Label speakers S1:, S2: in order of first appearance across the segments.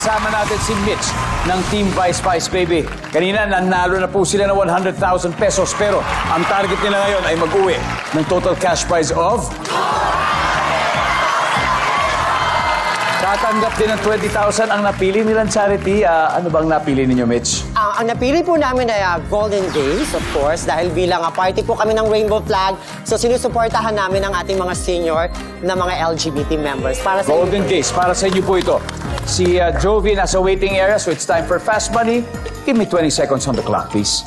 S1: Kasama natin si Mitch ng Team Vice Vice Baby. Kanina, nanalo na po sila ng 100,000 pesos pero ang target nila ngayon ay mag-uwi ng total cash prize of... Tatanggap din ng 20,000 ang napili nilang charity. Ano bang napili ninyo, Mitch?
S2: Ang napili po namin ay Golden Days, of course, dahil bilang party po kami ng Rainbow Flag, so sinusuportahan namin ang ating mga senior na mga LGBT members. Para sa
S1: Golden Days, para sa inyo po ito. Si Jovi nasa waiting area, so it's time for Fast Money. Give me 20 seconds on the clock, please.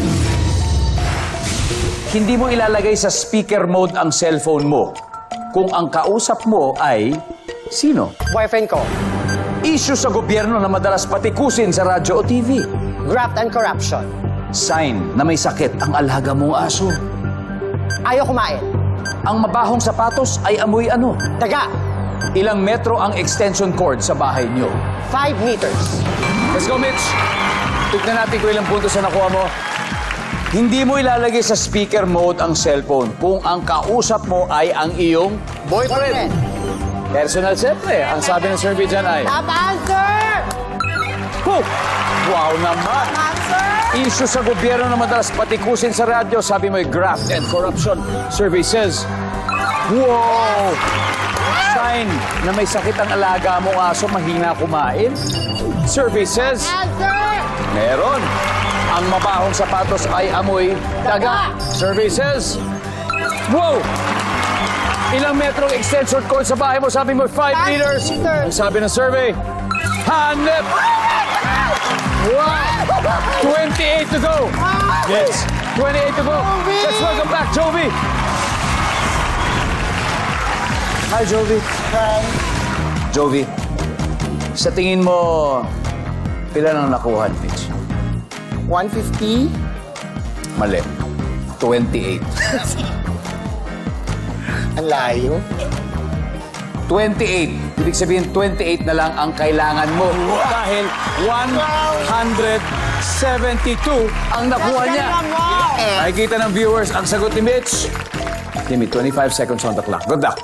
S1: Hindi mo ilalagay sa speaker mode ang cellphone mo kung ang kausap mo ay sino?
S2: boyfriend ko,
S1: Issue sa gobyerno na madalas patikusin sa radyo o TV.
S2: graft and corruption,
S1: Sign na may sakit ang alaga mong aso.
S2: ayaw kumain,
S1: Ang mabahong sapatos ay amoy ano?
S2: daga,
S1: Ilang metro ang extension cord sa bahay niyo?
S2: 5 meters,
S1: Let's go, Mitch. Tignan natin kung ilang puntos na nakuha mo. Hindi mo ilalagay sa speaker mode ang cellphone kung ang kausap mo ay ang iyong boyfriend. Personal, siyempre. Ang sabi ng survey dyan ay...
S2: Top answer!
S1: Huh! Wow naman!
S2: Answer!
S1: Issue sa gobyerno na madalas patikusin sa radyo, sabi mo ay graft and corruption. Survey says... Wow! Sign na may sakit ang alaga mong aso, mahina kumain. Survey says...
S2: Answer!
S1: Meron. Ang mabahong sapatos ay amoy daga. Survey says... Wow! Ilang metrong extension cord sa bahay mo? Sabi mo 5 meters. Ang sabi ng survey, hanep! Wow! 28 to go. Yes, 28 to go. Let's welcome back, Jovi. Hi, Jovi.
S2: Hi.
S1: Jovi, sa tingin mo, ilan ang nakuha, Mitch?
S2: 150?
S1: Mali. 28.
S2: Ang layo.
S1: 28. Ibig sabihin, 28 na lang ang kailangan mo. Dahil 172 ang nakuha niya. Nakikita ng viewers ang sagot ni Mitch. Give me 25 seconds on the clock. Good luck.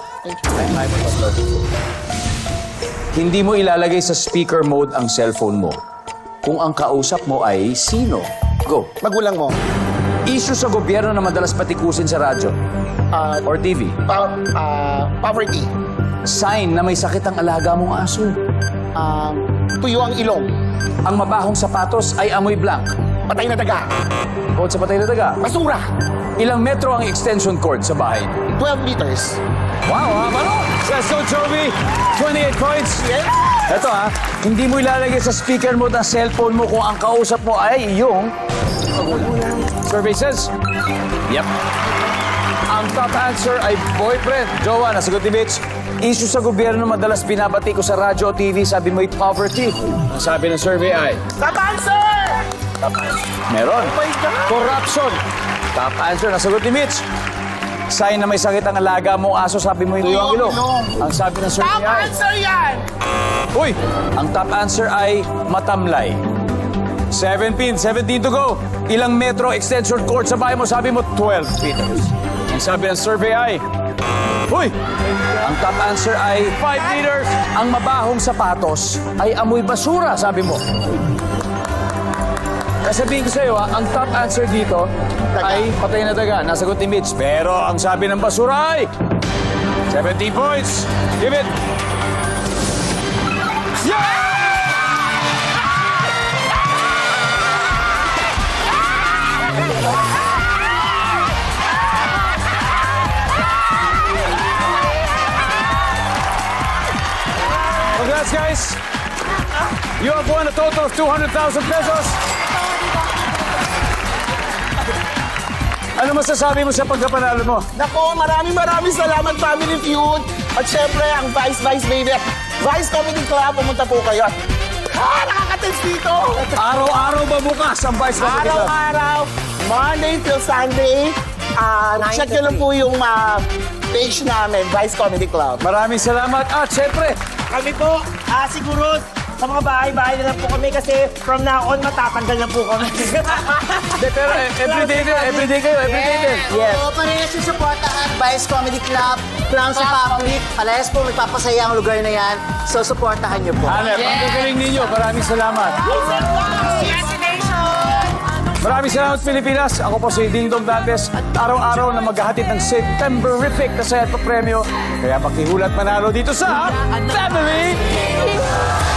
S1: Hindi mo ilalagay sa speaker mode ang cellphone mo kung ang kausap mo ay sino. Go.
S3: Magulang mo.
S1: Issue sa gobyerno na madalas patikusin sa radyo or TV.
S3: Poverty.
S1: Sign na may sakit ang alaga mong aso.
S3: Tuyo ang ilong.
S1: Ang mabahong sapatos ay amoy blank.
S3: Patay na daga.
S1: Bukod sa patay na daga.
S3: Basura.
S1: Ilang metro ang extension cord sa bahay?
S3: 12 meters.
S1: Wow, ha? Ano? Let's go, Jovi. 28 points. Ito, hindi mo ilalagay sa speaker mode ang cellphone mo kung ang kausap mo ay iyong... Survey says... Yep. Ang top answer ay boyfriend. Jowa, nasagot ni Mitch. Issue sa gobyerno madalas binabati ko sa radyo o TV, sabi mo ay poverty. Ang sabi ng survey ay...
S3: Top answer!
S1: Meron.
S3: Oh my God!
S1: Corruption. Top answer, nasagot ni Mitch. Sign na may sakit ang alaga mong aso, sabi mo yung tuyong ilong. Ang sabi ng survey
S3: Top
S1: ay...
S3: answer yan!
S1: Uy! Ang top answer ay matamlay. 17 to go. Ilang metro extension cord sa bahay mo, sabi mo 12 meters. Ang sabi ng survey ay... Uy! Ang top answer ay 5 meters. Ang mabahong sapatos ay amoy basura, sabi mo. Sabihin ko sa'yo, ang top answer dito ay patay na daga. Nasagot ni Mitch. Pero ang sabi ng basura ay 17 points. Give it. Yeah! Congrats, guys. You have won a total of 200,000 pesos. Ano masasabi mo sa pagkapanalo mo?
S3: Nako, maraming salamat, Family Feud. At syempre, ang Vice Vice Baby. Vice Comedy Club, pumunta po kayo. Nakaka-tense dito.
S1: Araw-araw ba bukas ang Vice Comedy Club?
S3: Araw-araw, Monday till Sunday. Check nyo lang po yung page namin, Vice Comedy Club.
S1: Maraming salamat. At syempre,
S4: Kami po, siguro sa mga bahay-bahay na lang po kami kasi from now on, matatanggal na po kami.
S1: Hindi, pero everyday kayo, everyday din.
S2: Yes.
S5: Oo, parehas yung supportahan, Vice Comedy Club, Clowns Republic. Parehas po, magpapasaya ang lugar na yan. So, supportahan niyo po.
S1: Hanep, ang gagaling ninyo. Maraming salamat. Maraming salamat, Pilipinas. Ako po si Ding Dong Dantes at araw-araw na maghahatid ng Septemberific na set premyo. Kaya pakihulat manalo dito sa Family